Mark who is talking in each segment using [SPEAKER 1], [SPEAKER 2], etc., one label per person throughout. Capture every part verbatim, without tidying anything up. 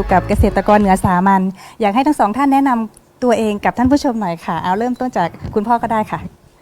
[SPEAKER 1] กับเกษตรกรเหนือสามัญอยากให้ทั้งสองท่านแนะนำตัวเองกับท่านผู้ชมหน่อยค่ะเอาเริ่มต้นจากคุณพ่อก็ได้ค่ะ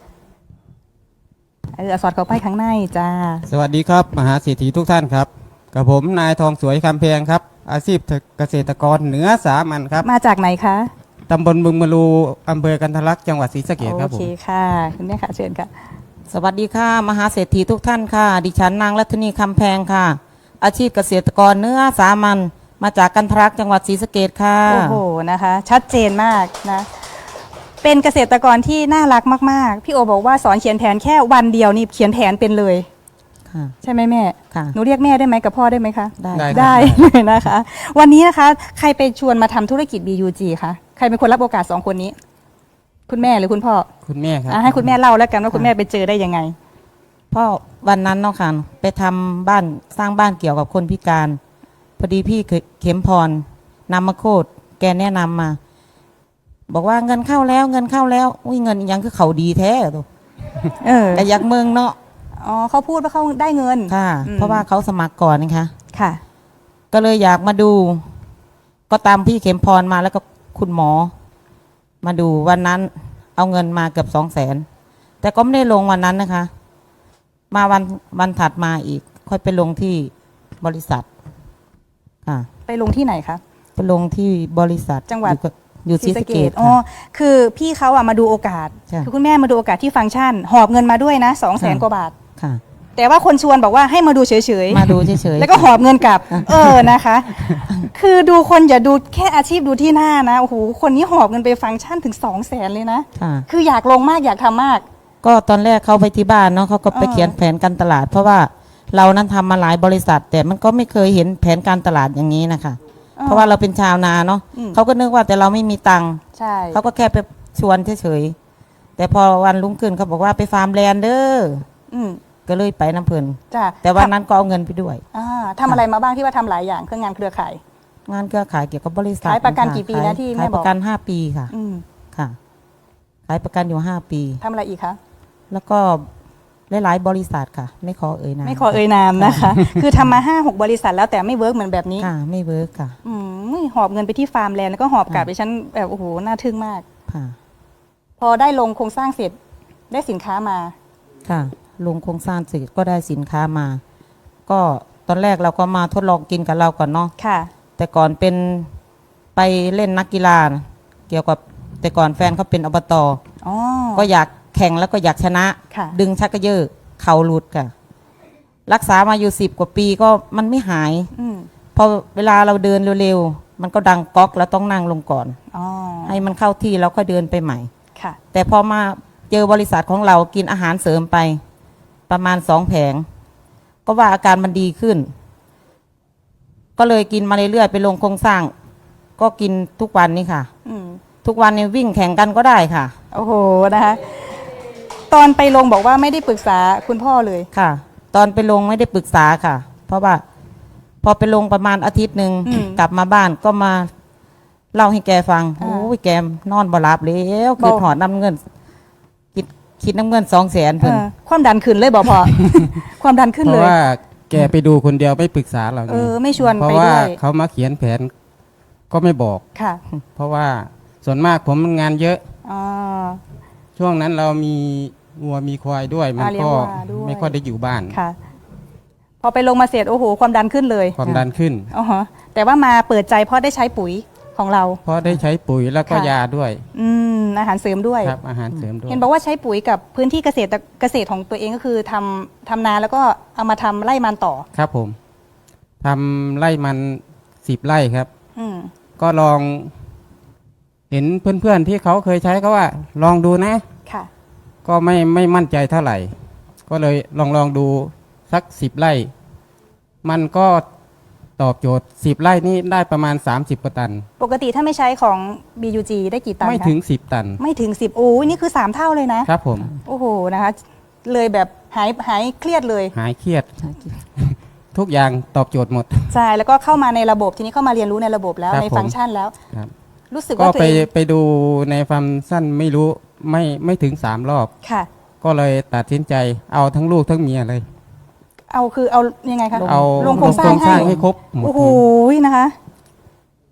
[SPEAKER 1] เออสอดเข้าไปข้างในจ้า
[SPEAKER 2] สวัสดีครับมหาเศรษฐีทุกท่านครับกับผมนายทองสวยคำแพงครับอาชีพเกษตรกรเหนือสามัญครับ
[SPEAKER 1] มาจากไหนคะ
[SPEAKER 2] ตำบลบึงมะลูอำเภอกันทะลักจังหวัดศรีสะเกษครับผม
[SPEAKER 1] โอเคค่ะคุณแม่ค่ะเชิญค่ะ
[SPEAKER 3] สวัสดีค่ะมหาเศรษฐีทุกท่านค่ะดิฉันนางรัตนีคำแพงค่ะอาชีพเกษตรกรเนื้อสามัญมาจากกันทะลักจังหวัดศรีสะเกษค่ะ
[SPEAKER 1] โอ้โหนะคะชัดเจนมากนะเป็นเกษตรกรที่น่ารักมากๆพี่โอบอกว่าสอนเขียนแผนแค่วันเดียวนี่เขียนแผนเป็นเลยใช่ไหมแม่
[SPEAKER 3] ค่ะ
[SPEAKER 1] หนูเรียกแม่ได้ไหมกับพ่อได้ไหมคะ
[SPEAKER 3] ได้
[SPEAKER 1] ได้เลยนะคะวันนี้นะคะใครไปชวนมาทำธุรกิจ บี ยู จี คะใครเป็นคนรับโอกาสสองคนนี้คุณแม่หรือคุณพ่อ
[SPEAKER 2] คุณแม่ครับ
[SPEAKER 1] ให้คุณแม่เล่าแล้วกันว่าคุณแม่ไปเจอได้ยังไง
[SPEAKER 3] พ่อวันนั้นเนาะค่ะไปทำบ้านสร้างบ้านเกี่ยวกับคนพิการพอดีพี่เข็มพรนำมาโคตรแกแนะนำมาบอกว่าเงินเข้าแล้วเงินเข้าแล้วอุ้ยเงินยังคือเขาดีแท้ตัว
[SPEAKER 1] เออ
[SPEAKER 3] แต่ยักเมืองเนาะ
[SPEAKER 1] อ๋อเขาพูดว่าเขาได้เงิน
[SPEAKER 3] ค่ะเพราะว่าเขาสมัครก่อนนะคะ
[SPEAKER 1] ค่ะ
[SPEAKER 3] ก็เลยอยากมาดูก็ตามพี่เข็มพรมาแล้วก็คุณหมอมาดูวันนั้นเอาเงินมาเกือบสองแสนแต่ก็ไม่ได้ลงวันนั้นนะคะมาวันวันถัดมาอีกค่อยไปลงที่บริษัทค่ะ
[SPEAKER 1] ไปลงที่ไหนคะ
[SPEAKER 3] ไปลงที่บริษัท
[SPEAKER 1] จังหวัด
[SPEAKER 3] อยู่ศรีสะเกษ
[SPEAKER 1] อ๋อคือพี่เขาอะมาดูโอกาสคือคุณแม่มาดูโอกาสที่ฟังก์ชันหอบเงินมาด้วยนะสองแสนกว่าบาท
[SPEAKER 3] ค่ะ
[SPEAKER 1] แต่ว่าคนชวนบอกว่าให้มาดูเฉย
[SPEAKER 3] ๆมาดูเฉยๆ
[SPEAKER 1] แล้วก็หอบเงินกลับเออนะคะคือดูคนอย่าดูแค่อาชีพดูที่หน้านะโอ้โหคนนี้หอบเงินไปฟังก์ชันถึงสองแสนเลยนะคืออยากลงมากอยากทำมาก
[SPEAKER 3] ก็ตอนแรกเขาไปที่บ้านเนาะเขาก็ไปเขียนแผนการตลาดเพราะว่าเรานั้นทำมาหลายบริษัทแต่มันก็ไม่เคยเห็นแผนการตลาดอย่างนี้นะคะเพราะว่าเราเป็นชาวนาเนาะเขาก็นึกว่าแต่เราไม่มีตังค์เขาก็แค่ไปชวนเฉยๆแต่พอวันรุ่งขึ้นเขาบอกว่าไปฟาร์มแลนด์เด้อก็เลยไปน้ำเพลินแต่วันนั้นก็เอาเงินไปด้วย
[SPEAKER 1] ทำอะไรมาบ้างที่ว่าทำหลายอย่างเครื่องงานเครือข่าย
[SPEAKER 3] งานเครือข่ายเกี่ยวกับบริษัท
[SPEAKER 1] ขายประกันกี่ปีนะที่แม่บอก
[SPEAKER 3] ขายประกันห้าปีค่ะค่ะขายประกันอยู่ห้าปี
[SPEAKER 1] ทำอะไรอีกคะ
[SPEAKER 3] แล้วก็หลายๆบริษัทค่ะไม่ขอเอ่ยนาม
[SPEAKER 1] ไม่ขอเอ่ยนามนะคะคือทำมาห้าหกบริษัทแล้วแต่ไม่เวิร์กเหมือนแบบนี้
[SPEAKER 3] ค่ะไม่เวิร์กค่ะ
[SPEAKER 1] อืมหอบเงินไปที่ฟาร์มแลนด์แล้วก็หอบกลับไปฉันแบบโอ้โหน่าทึ่งมาก
[SPEAKER 3] ค่ะ
[SPEAKER 1] พอได้ลงโครงสร้างเสร็จได้สินค้ามา
[SPEAKER 3] ค่ะลงโครงสร้างเสร็จก็ได้สินค้ามาก็ตอนแรกเราก็มาทดลองกินกับเราก่อนเนาะ
[SPEAKER 1] ค่ะ
[SPEAKER 3] แต่ก่อนเป็นไปเล่นนักกีฬาเกี่ยวกับแต่ก่อนแฟนเขาเป็นอบต.ก็อยากแข่งแล้วก็อยากชนะดึงชักกระเยอะเข่าหลุดค่ะรักษามาอยู่สิบกว่าปีก็มันไม่หายพอเวลาเราเดินเร็วๆมันก็ดังก๊อกแล้วต้องนั่งลงก่อนให้มันเข้าที่แล้วค่อยเดินไปใหม่แต่พอมาเจอบริษัทของเรากินอาหารเสริมไปประมาณสองแผงก็ว่าอาการมันดีขึ้นก็เลยกินมาเรื่อยๆไปลงโครงสร้างก็กินทุกวันนี้ค่ะทุกวันนี้วิ่งแข่งกันก็ได้ค่ะ
[SPEAKER 1] โอ้โหนะคะตอนไปลงบอกว่าไม่ได้ปรึกษาคุณพ่อเลย
[SPEAKER 3] ค่ะตอนไปลงไม่ได้ปรึกษาค่ะเพราะว่าพอไปลงประมาณอาทิตย์หนึ่งกลับมาบ้านก็มาเล่าให้แกฟังโอ้ยแกนอนบ่หลับแล้วคือหอดน้ำเงินคิดคิดน้ำเงินสองแสนเพิ่น
[SPEAKER 1] ความดันขึ้นเลยบอกพอความดันขึ้นเลย
[SPEAKER 2] เพราะว่าแกไปดูคนเดียวไม่ปรึกษาเรา
[SPEAKER 1] เออไม่ชวน
[SPEAKER 2] ไปด้วยเพราะว่าเขามาเขียนแผนก็ไม่บอก
[SPEAKER 1] ค่ะ
[SPEAKER 2] เพราะว่าส่วนมากผมงานเยอะช่วงนั้นเรามีวัวมีควายด้วยมันก็ไม่ค่อยได้อยู่บ้าน
[SPEAKER 1] ค่ะพอไปลงมาเสร็จโอ้โหความดันขึ้นเลย
[SPEAKER 2] ความดันขึ้น
[SPEAKER 1] อ๋อแต่ว่ามาเปิดใจเพราะได้ใช้ปุ๋ยของเรา
[SPEAKER 2] เพราะได้ใช้ปุ๋ยแล้วก็ยาด้วย
[SPEAKER 1] อืมอาหารเสริมด้วย
[SPEAKER 2] ครับอาหารเสริมด้วย
[SPEAKER 1] เห็นบอกว่าใช้ปุ๋ยกับพื้นที่เกษตรเกษตรของตัวเองก็คือทำทำนาแล้วก็เอามาทำไร่มันต่อ
[SPEAKER 2] ครับผมทำไร่มันสิบไร่ครับ
[SPEAKER 1] อืม
[SPEAKER 2] ก็ลองเห็นเพื่อนๆที่เขาเคยใช้เขาว่าลองดูนะ
[SPEAKER 1] ค่ะ
[SPEAKER 2] ก็ไม่ไม่มั่นใจเท่าไหร่ก็เลยลองลองดูสักสิบไร่มันก็ตอบโจทย์สิบไร่นี่ได้ประมาณสามสิบกว่าตัน
[SPEAKER 1] ปกติถ้าไม่ใช้ของ บี ยู จี ได้กี่ตัน
[SPEAKER 2] ไม่ถึงสิบตัน
[SPEAKER 1] ไม่ถึงสิบโอ้ยนี่คือสามเท่าเลยนะครับ
[SPEAKER 2] ผม
[SPEAKER 1] โอ้โหนะคะเลยแบบหายหายเครียดเลย
[SPEAKER 2] หายเครียดทุกอย่างตอบโจทย์หมด
[SPEAKER 1] ใช่แล้วก็เข้ามาในระบบทีนี้เข้ามาเรียนรู้ในระบบแล้วในฟังก์ชันแล้วรู้สึกว่า
[SPEAKER 2] ก็ไปไปดูในฟังก์ชันไม่รู้ไม่ไม่ถึงสามรอบ
[SPEAKER 1] ค่ะ
[SPEAKER 2] ก็เลยตัดสินใจเอาทั้งลูกทั้งเมียเลย
[SPEAKER 1] เอาคือเอายังไงคะ
[SPEAKER 2] เอา
[SPEAKER 1] ลงโครงสร้างให้
[SPEAKER 2] ให้ครบหมด
[SPEAKER 1] โอ้โหนะคะ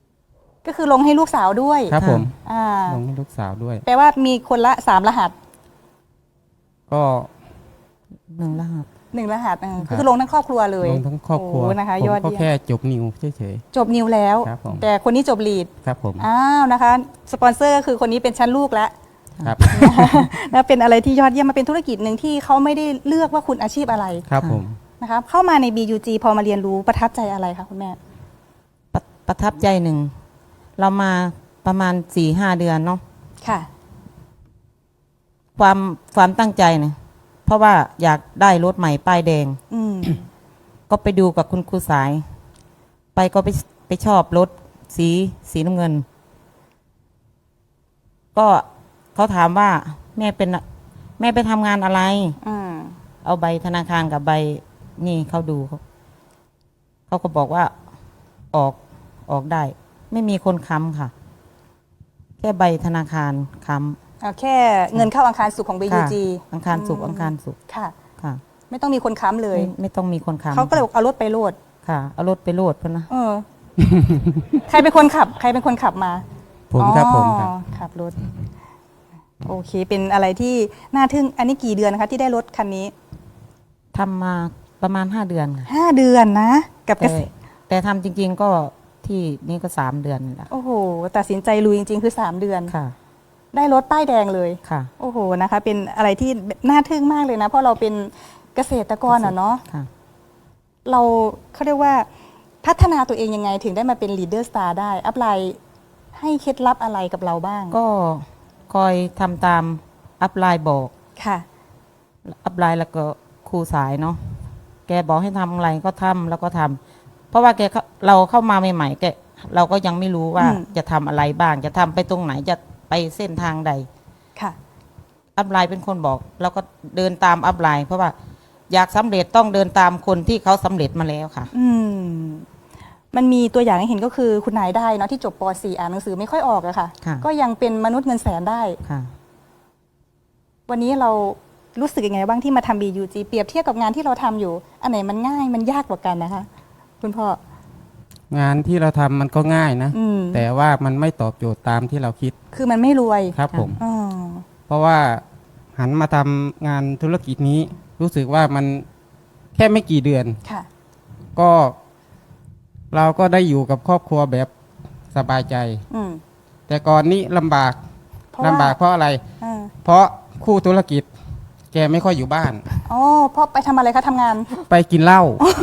[SPEAKER 1] ก็คือลงให้ลูกสาวด้วย
[SPEAKER 2] ครับผม
[SPEAKER 1] อ่า
[SPEAKER 2] ลงให้ลูกสาวด้วย
[SPEAKER 1] แปลว่ามีคนละสามรหัส
[SPEAKER 2] ก็
[SPEAKER 3] หนึ่งรหัส
[SPEAKER 1] หนึ่งรหัสเออ
[SPEAKER 2] ครับ
[SPEAKER 1] คือลงทั้งครอบครัวเลย
[SPEAKER 2] ลงทั้งครอบครัว
[SPEAKER 1] โนะคะ
[SPEAKER 2] ผม
[SPEAKER 1] ยอด
[SPEAKER 2] ก็
[SPEAKER 1] เยี่ย
[SPEAKER 2] แค่
[SPEAKER 1] ม
[SPEAKER 2] จบนิวเฉย
[SPEAKER 1] จบนิวแล้ว
[SPEAKER 2] ครับผม
[SPEAKER 1] แต่คนนี้จบลีด
[SPEAKER 2] ๆครับผม
[SPEAKER 1] อ้าวนะคะ สปอนเซอร์ก็คือคนนี้เป็นชั้นลูกแล้ว
[SPEAKER 2] ครับ
[SPEAKER 1] นะเป็นอะไรที่ยอดเยี่ยมมาเป็นธุรกิจหนึ่งที่เขาไม่ได้เลือกว่าคุณอาชีพอะไร
[SPEAKER 2] ครับผม
[SPEAKER 1] นะคะเข้ามาใน บี ยู จี พอมาเรียนรู้ประทับใจอะไรคะคุณแม่
[SPEAKER 3] ประประทับใจหนึ่ง เรามาประมาณสี่ห้าเดือนเนาะ
[SPEAKER 1] ค่ะ
[SPEAKER 3] ความความตั้งใจเนี่ยเพราะว่าอยากได้รถใหม่ป้ายแดง
[SPEAKER 1] อืม
[SPEAKER 3] ก็ไปดูกับคุณครูสาย ไปก็ไปไปชอบรถสีสีน้ำเงิน ก็เขาถามว่าแม่เป็นแม่ไปทำงานอะไร
[SPEAKER 1] อืม
[SPEAKER 3] เอาใบธนาคารกับใบนี่เขาดูเขาเขาก็บอกว่าออกออกได้ ไม่มีคนค้ำค่ะ แค่ใบธนาคารค้
[SPEAKER 1] เอาแค่เงินเข้าอังคารสุขของ
[SPEAKER 3] ำ
[SPEAKER 1] บี ยู จี
[SPEAKER 3] ค่ะอังคารสุกร์อังคารสุกร์
[SPEAKER 1] ค่ะ
[SPEAKER 3] ค่ะ
[SPEAKER 1] ไม่ต้องมีคนค้ำเลย
[SPEAKER 3] ไม่ไม่ต้องมีคนค้ำ
[SPEAKER 1] เขาก็เลยบอกเอารถไปโหลด
[SPEAKER 3] ค่ะ เอารถไปโหลดเพื่อนนะ
[SPEAKER 1] เออ ใครเป็นคนขับ ใครเป็นคนขับมา
[SPEAKER 2] ผมครับผมครับ
[SPEAKER 1] อ๋อขับรถ โอเค เป็นอะไรที่น่าทึ่ง อันนี้กี่เดือนนะคะ ที่ได้รถคันนี้
[SPEAKER 3] ทำมาประมาณห้าเดือนค่ะ
[SPEAKER 1] ห้าเดือนนะ กับเก
[SPEAKER 3] แต่
[SPEAKER 1] ษตร
[SPEAKER 3] แต่ทำจริง ๆ ก็ที่นี่ก็สามเดือนนี่แหละ
[SPEAKER 1] โอ้โห ตัดสินใจลุยจริง ๆ คือ 3 เดือน
[SPEAKER 3] ค่ะ
[SPEAKER 1] ได้รถป้ายแดงเลย
[SPEAKER 3] ค่ะ
[SPEAKER 1] โอ้โห นะคะ เป็นอะไรที่น่าทึ่งมากเลยนะ เพราะเราเป็นเกษตรกรอ่ะเนาะ
[SPEAKER 3] ค่ะ
[SPEAKER 1] เราเขาเรียกว่าพัฒนาตัวเองยังไงถึงได้มาเป็น leader star ได้ อัพไลน์ให้เคล็ดลับอะไรกับเราบ้าง
[SPEAKER 3] ก็คอยทำตามอัพไลน์บอก
[SPEAKER 1] ค่ะ
[SPEAKER 3] อัพไลน์แล้วก็ครูสายเนาะ แกบอกให้ทำอะไรก็ทำแล้วก็ทำ เพราะว่าแกเข้าเราเข้ามาใหม่ๆแกเราก็ยังไม่รู้ว่า
[SPEAKER 1] อืม
[SPEAKER 3] จะทำอะไรบ้าง จะทำไปตรงไหนจะไปเส้นทางใด
[SPEAKER 1] ค่ะ
[SPEAKER 3] อัพไลน์เป็นคนบอก แล้วก็เดินตามอัพไลน์ เพราะว่าอยากสำเร็จต้องเดินตามคนที่เขาสำเร็จมาแล้วค่ะ
[SPEAKER 1] อืม มันมีตัวอย่างให้เห็นก็คือคุณนายได้เนาะที่จบป .สี่ อ่านหนังสือไม่ค่อยออกอะค่ะ
[SPEAKER 3] ค่ะ
[SPEAKER 1] ก็ยังเป็นมนุษย์เงินแสนได้
[SPEAKER 3] ค่ะ
[SPEAKER 1] วันนี้เรารู้สึกยังไงบ้างที่มาทำ บี ยู จี เปรียบเทียบกับงานที่เราทำอยู่ อันไหนมันง่ายมันยากกว่ากันนะคะ คุณพ่อ
[SPEAKER 2] งานที่เราทำมันก็ง่ายนะ
[SPEAKER 1] อืม
[SPEAKER 2] แต่ว่ามันไม่ตอบโจทย์ตามที่เราคิด
[SPEAKER 1] คือมันไม่รวย
[SPEAKER 2] ครับผม
[SPEAKER 1] อ๋อ
[SPEAKER 2] เพราะว่าหันมาทำงานธุรกิจนี้ รู้สึกว่ามันแค่ไม่กี่เดือน
[SPEAKER 1] ค่ะ
[SPEAKER 2] ก็เราก็ได้อยู่กับครอบครัวแบบสบายใจ
[SPEAKER 1] อืม
[SPEAKER 2] แต่ก่อนนี้ลำบาก
[SPEAKER 1] เพราะ
[SPEAKER 2] ลำ
[SPEAKER 1] ว่า
[SPEAKER 2] บากเพราะอะไร
[SPEAKER 1] อ่า
[SPEAKER 2] เพราะคู่ธุรกิจ แกไม่ค่อยอยู่บ้าน
[SPEAKER 1] อ๋อพ่อไปทำอะไรคะทำงาน
[SPEAKER 2] ไปกินเหล้า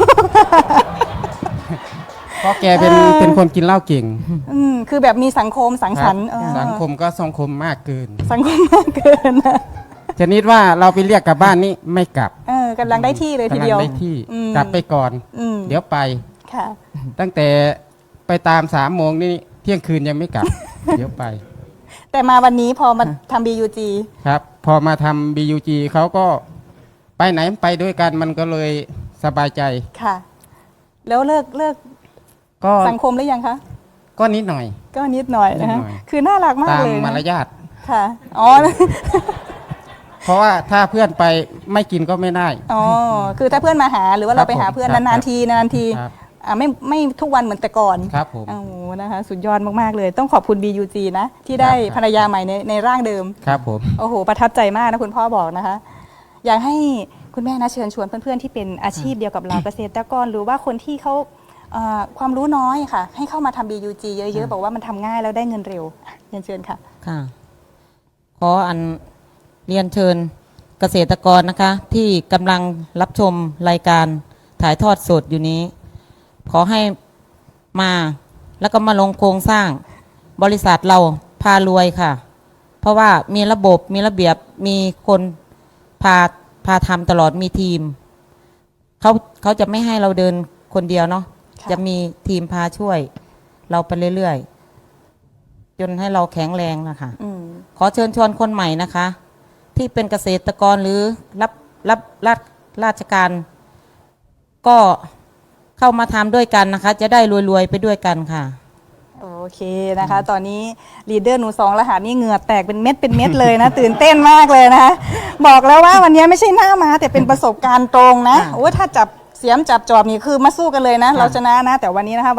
[SPEAKER 2] เพราะแกเป็น
[SPEAKER 1] เออ
[SPEAKER 2] เป็นคนกินเหล้าเก่ง
[SPEAKER 1] อืมคือแบบมีสังคมสังสรรค์
[SPEAKER 2] ครับ
[SPEAKER 1] เออ
[SPEAKER 2] สังคมก็สังคมมากเกิน
[SPEAKER 1] สังคมมากเกินนะ
[SPEAKER 2] ชนิดว่าเราไปเรียกกลับบ้านนี่ไม่กลับ
[SPEAKER 1] เออกำลังได้ที่เลยทีเดียว
[SPEAKER 2] กำลังได้ที่
[SPEAKER 1] อืม
[SPEAKER 2] กลับไปก่อน
[SPEAKER 1] อืม
[SPEAKER 2] เดี๋ยวไป
[SPEAKER 1] ค่ะ
[SPEAKER 2] ตั้งแต่ไปตามสามโมงนี่เที่ยงคืนยังไม่กลับ เดี๋ยวไป
[SPEAKER 1] แต่มาวันนี้พอมาทำ บี ยู จี
[SPEAKER 2] ครับ พอมาทำ บี ยู จี เขาก็ไปไหนไปด้วยกันมันก็เลยสบายใจ
[SPEAKER 1] ค่ะ แล้วเลิกเลิก
[SPEAKER 2] ก็
[SPEAKER 1] สังคมหรือยังคะ
[SPEAKER 2] ก็นิดหน่อย
[SPEAKER 1] ก็นิดหน่อยนะคะ
[SPEAKER 2] นิดหน่อย
[SPEAKER 1] คือน่ารักมาก
[SPEAKER 2] ตาม
[SPEAKER 1] เลย
[SPEAKER 2] มาร
[SPEAKER 1] นะ
[SPEAKER 2] ยาท
[SPEAKER 1] ค่ะ อ๋อ
[SPEAKER 2] เพราะว่าถ้าเพื่อนไปไม่กินก็ไม่ได้
[SPEAKER 1] อ๋อ คือถ้าเพื่อนมาหาหรือว่าเราไปหาเพื่อน
[SPEAKER 2] ครับ
[SPEAKER 1] นานๆทีนานๆที
[SPEAKER 2] ครับ
[SPEAKER 1] อ่าไม่ไม่ทุกวันเหมือนแต่ก่อน
[SPEAKER 2] ครับผม
[SPEAKER 1] โอ้โหนะคะ สุดยอดมากๆเลย ต้องขอบคุณ บี ยู จี นะ ที่ได้
[SPEAKER 2] ครับ
[SPEAKER 1] ภรรยาใหม่ในในร่างเดิม
[SPEAKER 2] ครับผม
[SPEAKER 1] โอ้โห ประทับใจมากนะคุณพ่อบอกนะคะ อยากให้คุณแม่นะเชิญชวนเพื่อนๆที่เป็นอาชีพเดียวกับเราเกษตรกร หรือว่าคนที่เขาเอ่อความรู้น้อยค่ะ ให้เข้ามาทำ บี ยู จี เยอะๆ บอกว่ามันทำง่ายแล้วได้เงินเร็วเรียนเชิญค่ะ
[SPEAKER 3] ค่ะ ขออันเรียนเชิญเกษตรกรนะคะ ที่กำลังรับชมรายการถ่ายทอดสดอยู่นี้ ขอให้มาแล้วก็มาลงโครงสร้างบริษัทเราพารวยค่ะ เพราะว่ามีระบบมีระเบียบมีคนพาพาทำตลอดมีทีมเขาเขาจะไม่ให้เราเดินคนเดียวเนาะ
[SPEAKER 1] ค่ะ
[SPEAKER 3] จะมีทีมพาช่วย เราไปเรื่อยๆจนให้เราแข็งแรงนะคะ
[SPEAKER 1] อืม
[SPEAKER 3] ขอเชิญชวนคนใหม่นะคะ ที่เป็นเกษตรกรหรือรับรับราชราชการ ก็เข้ามาทำด้วยกันนะคะ จะได้รวยๆไปด้วยกันค่ะ
[SPEAKER 1] โอเคนะคะ ตอนนี้ลีดเดอร์หนูสองรหัสนี่เหงื่อแตกเป็นเม็ดเป็นเม็ดเลยนะ ตื่นเต้นมากเลยนะคะบอกแล้วว่าวันนี้ไม่ใช่หน้ามาแต่เป็นประสบการณ์ตรงนะ
[SPEAKER 3] ค่ะ
[SPEAKER 1] โอ้ถ้าจับเสียมจับจอบนี่คือมาสู้กันเลยนะ
[SPEAKER 3] ค่ะ
[SPEAKER 1] เราชนะนะ แต่วันนี้นะคะวันนี้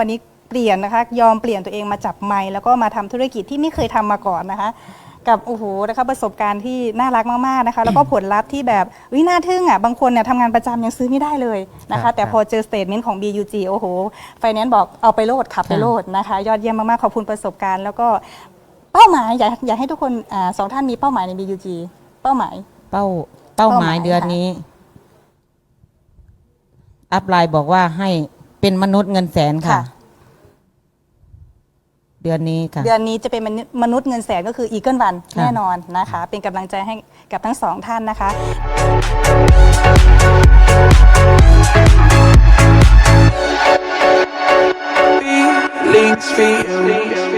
[SPEAKER 1] เปลี่ยนนะคะยอมเปลี่ยนตัวเองมาจับไมค์แล้วก็มาทำธุรกิจที่ไม่เคยทำมาก่อนนะคะกับโอ้โหนะคะประสบการณ์ที่น่ารักมากๆนะคะแล้วก็ผลลัพธ์ที่แบบวิน่าทึ่งอ่ะบางคนเนี่ยทำงานประจำยังซื้อไม่ได้เลยนะ
[SPEAKER 2] ครั
[SPEAKER 1] คะ
[SPEAKER 2] บ
[SPEAKER 1] แต่พอเจอสเตทเมนต์ของ บี ยู จี โอ้โหไฟแนนซ์บอกเอาไปโลดขับไปโลดนะคะยอดเยี่ยมมากๆขอบคุณประสบการณ์แล้วก็เป้าหมายอยากอยากให้ทุกคนอ่าสองท่านมีเป้าหมายใน บี ยู จี เป้าหมาย
[SPEAKER 3] เป้าเป้าหมาย
[SPEAKER 1] เป้าหมาย
[SPEAKER 3] เดือน
[SPEAKER 1] ค่ะ
[SPEAKER 3] นี้ อัพไลน์บอกว่าให้เป็นมนุษย์เงินแสนค่ะ
[SPEAKER 1] ค่ะ
[SPEAKER 3] เดือนนี้ค่ะ
[SPEAKER 1] เดือนนี้จะเป็นมนุษย์เงินแสนก็คืออีเกิลวัน
[SPEAKER 3] ค่ะ
[SPEAKER 1] แน่นอนนะคะ เป็นกำลังใจให้กับทั้งสองท่านนะคะ
[SPEAKER 4] Feelings, feelings.